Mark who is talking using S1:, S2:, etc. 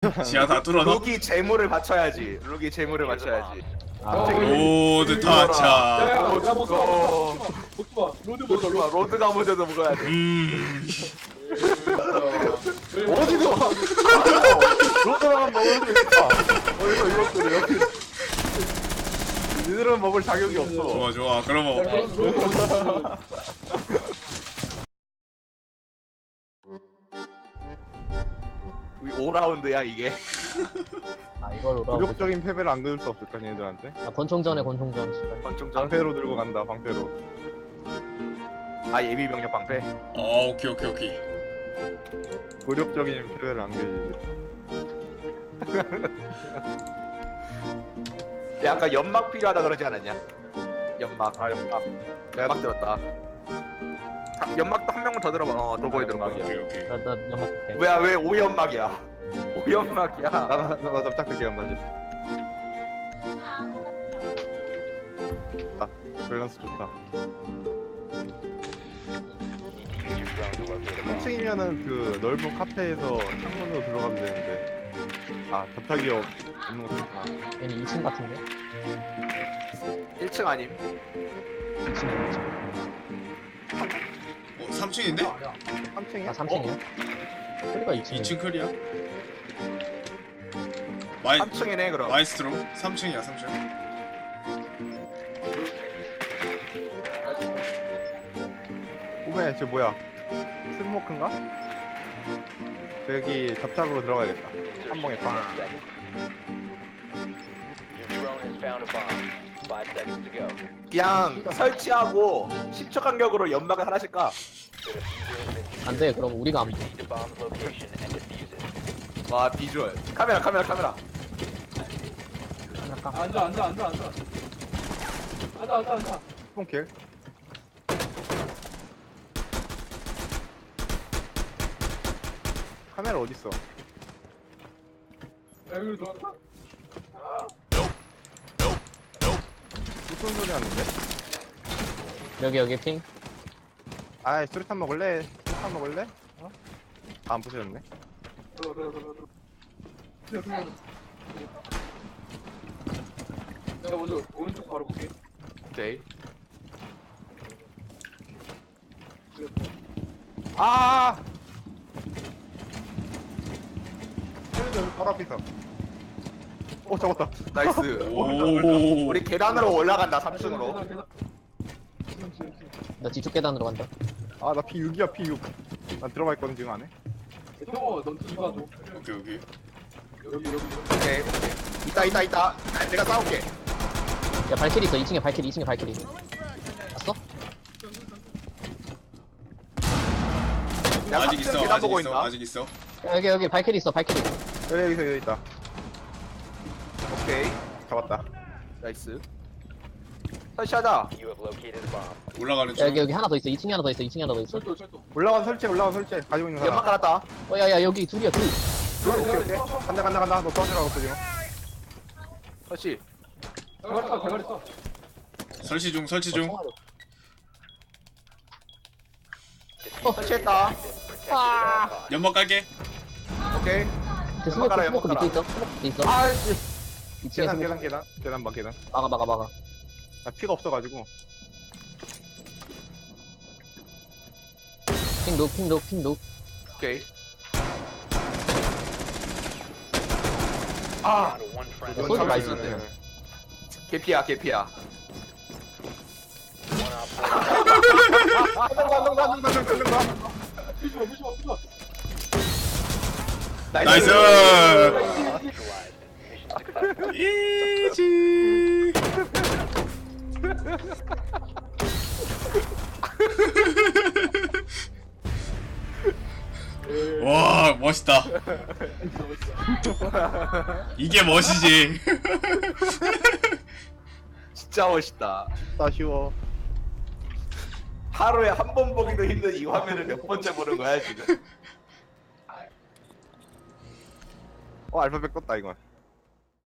S1: 지하 다 뚫어놔.
S2: 룩이 재물을 바쳐야지. 룩이 재물을 바쳐야지.
S1: 로드 타차.
S2: 로드가 먼저도 먹어야 돼.
S3: 어디도 로드만 먹을 수 있다. 어디서 이것들을 여기 니들은 먹을 자격이 없어.
S1: 좋아 좋아. 그럼 뭐
S2: 우리 5라운드야 이게.
S4: 아 이걸 오라고.
S3: 굴욕적인 패배를 안 그을 수 없을까 얘들한테?
S4: 아 권총전에 권총전. 씨발.
S2: 권총전.
S3: 방패로 들고 간다. 방패로.
S2: 아 예비 병력 방패.
S1: 오케이 오케이 오케이.
S3: 굴욕적인 패배를 안 그을.
S2: 야 아까 연막 필요하다 그러지 않았냐? 연막.
S3: 아 연막.
S2: 연막 들었다. 연막도 한 명만 더 들어봐. 도보에 들어봐.
S1: 오케이 오케이.
S4: 나 연막 볼게.
S2: 뭐야 왜 5연막이야? 5연막이야.
S3: 나 납작하게 한다. 아 밸런스 좋다. 3층이면은 그 넓은 카페에서 창문으로 들어가면 되는데 아 접착이 없는 것도 좋다.
S4: 얘는 2층 같은데?
S2: 1층 아님?
S4: 2층 2층.
S1: 3층인데?
S3: 3층이야?
S4: 아 3층이야? 소리가 2층.
S1: 2층 클리어.
S2: 3층이네 그럼.
S1: 마이스트로 3층이야 3층.
S3: 오메 저 뭐야 스모크인가? 저기 접착으로 들어가야겠다. 한 방에 빵.
S2: 그냥 설치하고 10초 간격으로 연막을 하나씩 까.
S4: 안돼 그럼 우리가 안 돼.
S2: 와 비주얼. 카메라.
S4: 잠깐.
S3: 스폰킬. 카메라 어딨어? 무슨 소리 하는데?
S4: 여기 핑.
S3: 아이 수류탄 먹을래? 수류탄 먹을래? 어? 안 부셔졌네.
S5: 내가 먼저 오른쪽 바로 볼게.
S2: 오케이.
S3: 아! 쟤네들 바로 앞에 있어. 오 잡았다.
S2: 나이스.
S1: 오.
S2: 우리 계단으로 올라간다 3층으로.
S4: 나 뒤쪽 계단으로 간다.
S3: 아 나 P6이야 P6. 난 들어가 있거든 지금 안에.
S5: 형어, 넌 뒤가 줘.
S1: 오케이 오케이.
S5: 여기.
S2: 오케이. 있다. 내가 싸울게.
S4: 야 발키리 있어. 2층에 발키리. 2층에 발키리. 봤어?
S2: 내가
S1: 아직
S2: 3층
S1: 있어
S2: 계단
S1: 아직
S2: 보고
S1: 있어
S2: 있나?
S1: 아직 있어.
S4: 야, 여기 발키리 있어. 발키리.
S3: 여기 있다.
S2: 오케이.
S3: 잡았다.
S2: 나이스. 설치하자.
S1: 올라가는
S4: 야,
S1: 중.
S4: 여기 하나 더 있어. 2층에 하나 더 있어. 2층에 하나 더 있어.
S5: 철도.
S3: 올라간 설치 가지고 있는
S2: 연막
S3: 사람.
S2: 깔았다.
S4: 야야 여기 둘이야 둘.
S3: 오케이. 간다. 너 떠지라고 없어 지금.
S2: 설치.
S5: 대가리 써.
S1: 설치 중.
S2: 설치했다.
S1: 연막 깔게.
S2: 오케이.
S4: 그 스모크
S2: 깔아,
S4: 스모크
S2: 연막
S4: 밑에 있어. 스모크 밑에 있어.
S2: 아씨.
S4: 2층에 스모크.
S3: 계단 봐 계단.
S4: 막아.
S3: 나 피가 없어가지고.
S4: 핑 녹.
S2: 오케이. 아.
S4: 소리 많이 쓰네.
S2: 개피야.
S5: 부셔.
S1: 나이스. 이지. 와 멋있다. 이게 멋이지.
S2: 진짜 멋있다.
S3: 아쉬워.
S2: 하루에 한 번 보기도 힘든 이 화면을 몇 번째 보는 거야 지금.
S3: 알파벳 껐다 이건.